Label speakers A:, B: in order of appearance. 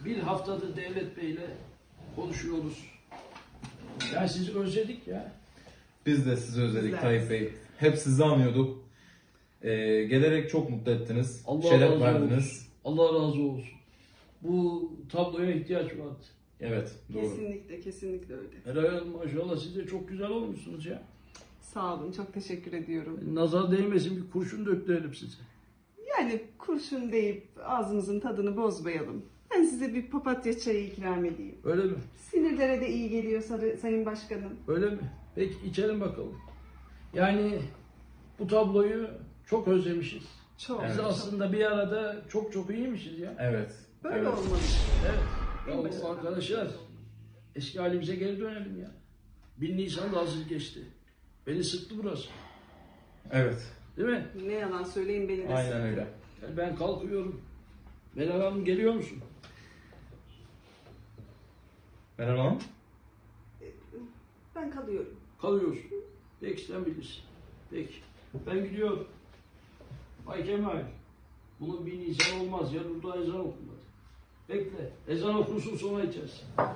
A: Bir haftadır Devlet Bey'le konuşuyoruz. Yani sizi özledik ya.
B: Biz de sizi özledik
C: Bizler.
B: Tayyip Bey. Hep sizi anıyorduk. Gelerek çok mutlu ettiniz.
A: Allah
B: Şeref
A: razı
B: verdiniz.
A: olsun. Allah razı olsun. Bu tabloya ihtiyaç vardı.
B: Evet, doğru.
C: Kesinlikle, kesinlikle öyle.
A: Helal olsun, maşallah siz de çok güzel olmuşsunuz ya.
C: Sağ olun, çok teşekkür ediyorum.
A: Nazar değmesin, bir kurşun döktürelim size.
C: Yani kurşun deyip ağzımızın tadını bozmayalım. Ben size bir papatya çayı ikram edeyim.
A: Öyle mi?
C: Sinirlere de iyi geliyor Sayın Başkanım.
A: Öyle mi? Peki içelim bakalım. Yani bu tabloyu çok özlemişiz.
C: Çok.
A: Biz aslında bir arada çok çok iyiymişiz ya.
B: Evet.
C: Böyle
B: evet.
C: olmalı.
A: Evet. Ya arkadaşlar eski halimize geri dönelim ya. 1 Nisan da hazır geçti. Beni sıktı burası.
B: Evet.
A: Değil mi?
C: Ne yalan söyleyeyim beni de
B: Aynen
C: sıktı.
B: öyle.
A: Yani ben kalkıyorum. Meral Hanım geliyor musun?
B: Meral Hanım.
C: Ben kalıyorum.
A: Kalıyorsun. Peki sen bilirsin. Peki. Ben gidiyorum. Bay Kemal. Bunun 1 Nisan olmaz ya. Burada ezan okunmadı. Bekle. Ezan okunsun sonra içersin.